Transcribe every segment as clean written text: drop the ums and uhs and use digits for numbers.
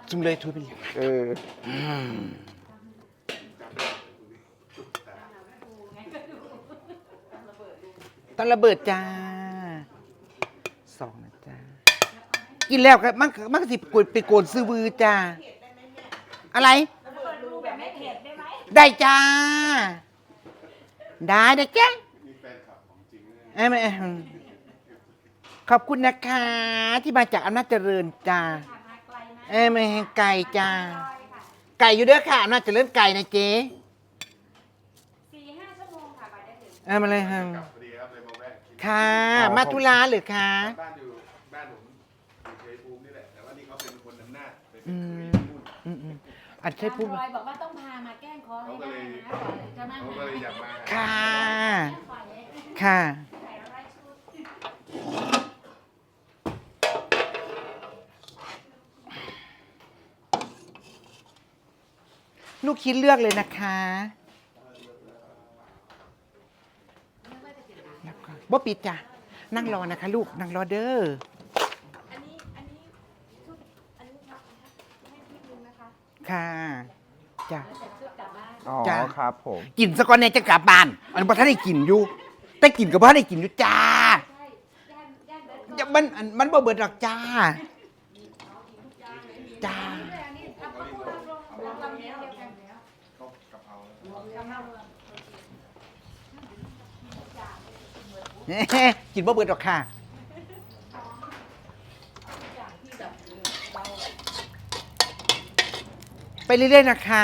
จุ่มเลยถ้วยไปเลยตอนระเบิดจ้า2นะจ้ากินแล้วก็มันก็สิไปโกนซื้อบือจ้าอะไรได้จ้าได้นะจ๊ะไม่ขอบคุณนะคะที่มาจากอำนาจเจริญจ้าไม่ไก่จ้าไก่อยู่เด้อค่ะอำนาจเจริญไก่นะเจ๊4-5 ชั่วโมงค่ะไปได้ถึงมาเลยค่ะค่ะมาธุระหรือคะบ้านอยู่บ้านผมอยู่ชัยภูมินี่แหละแต่ว่านี่เขาเป็นคนอำนาจอันชัยภูมิบอกว่าต้องพามาแกล้งคอให้ได้นะจะมาเขาก็เลยอยากมาค่ะค่ะลูกคิดเลือกเลยนะคะบ่ปิดจ้ะนั่งรอนะคะลูกนั่งรอเด้ออันนี้ให้พี่ลุงนะคะค่ะจ้ะอ๋อครับผมกินสกอนเนี่ยจะกลับบ้านอันนี้พอท่านได้กินอยู่แต่กินกับพ่อได้กินอยู่จ้ามันบ่เบิดหรอกจ้าจ้ากินบ่เบิดหรอกค่ะไปเรื่อยๆนะคะ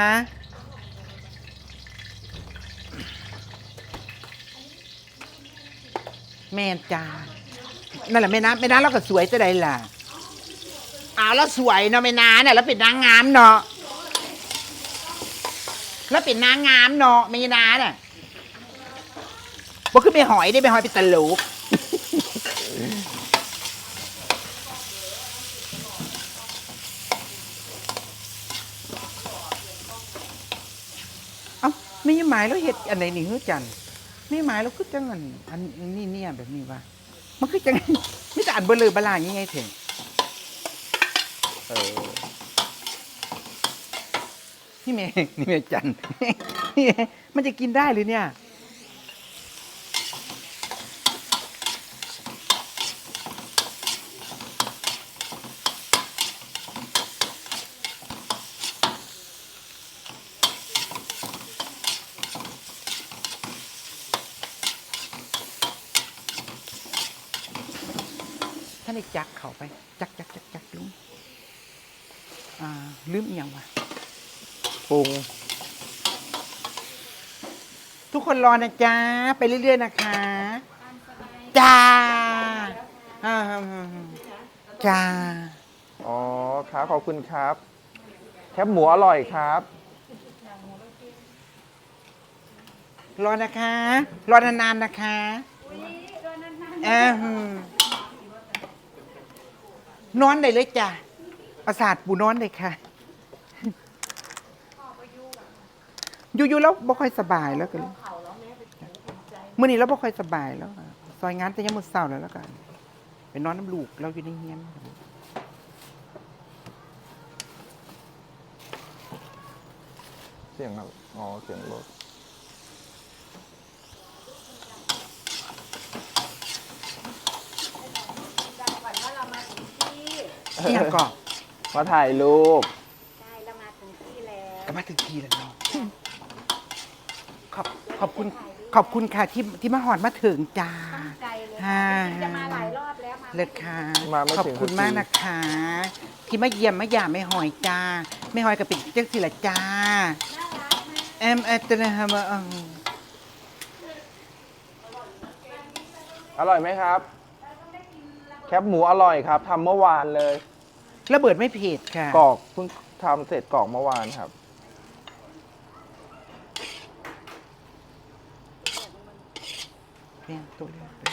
แม่จ้านั่นแหละแม่น้ำเราก็สวยจะได้ล่ะแล้วสวยเนาะแม่น้ำเนี่ยแล้วเป็นนางงามเนาะแล้วเป็นนางงามเนาะแม่น้ำเนี่ยบอกขึ้นไปหอยได้ไปหอยไปตลกไม่ยังหมายแล้วเห็ดอันไหนนี่ฮือจันไม่หมายแล้วคือจังอันนี้เนี่ยแบบนี้ว่ามันคือจังไม่แต่อันเบลอบลาอย่างไงเถอะนี่เมย์จันนี่มันจะกินได้หรือเนี่ยท่านไอ้จักเข้าไปจักลุงลืมอีกอย่างวะปรุงทุกคนรอนะจ๊ะไปเรื่อยๆนะคะจ้าจ้าอ๋อครับขอบคุณครับแคบหมูอร่อยครับรอนะคะรอนานๆนะคะนอนได้เลยจ้ะประสาทปูนอนเลยค่ะอยู่แล้วบ่ค่อยสบายแล้วกันเมื่อนี้แล้วบ่ค่อยสบายแล้วซอยงานแต่ยังหมดเศร้าแล้วกันไปนอนน้ำลูกเราอยู่ในเฮียนเสียงครับอ๋อเสียงรถนี่ยังก่อนมาถ่ายรูปใช่เรามาถึงที่แล้วก็มาถึงทีแล้วเนาะขอบคุณค่ะที่มาหอดมาถึงจ้าตั้งใจเลยค่ะจะมาหลายรอบแล้วมาเลยค่ะขอบคุณมากนะคะที่มาเยี่ยมมาหย่าไม่หอยจ้าไม่หอยกับเป็นเจ้าสิละจ้าตัวนะฮะอร่อยไหมครับแคบหมูอร่อยครับทำเมื่อวานเลยระเบิดไม่เผ็ดค่ะกรอกเพิ่งทำเสร็จกรอกเมื่อวานครับเพียงตัวเลือกไป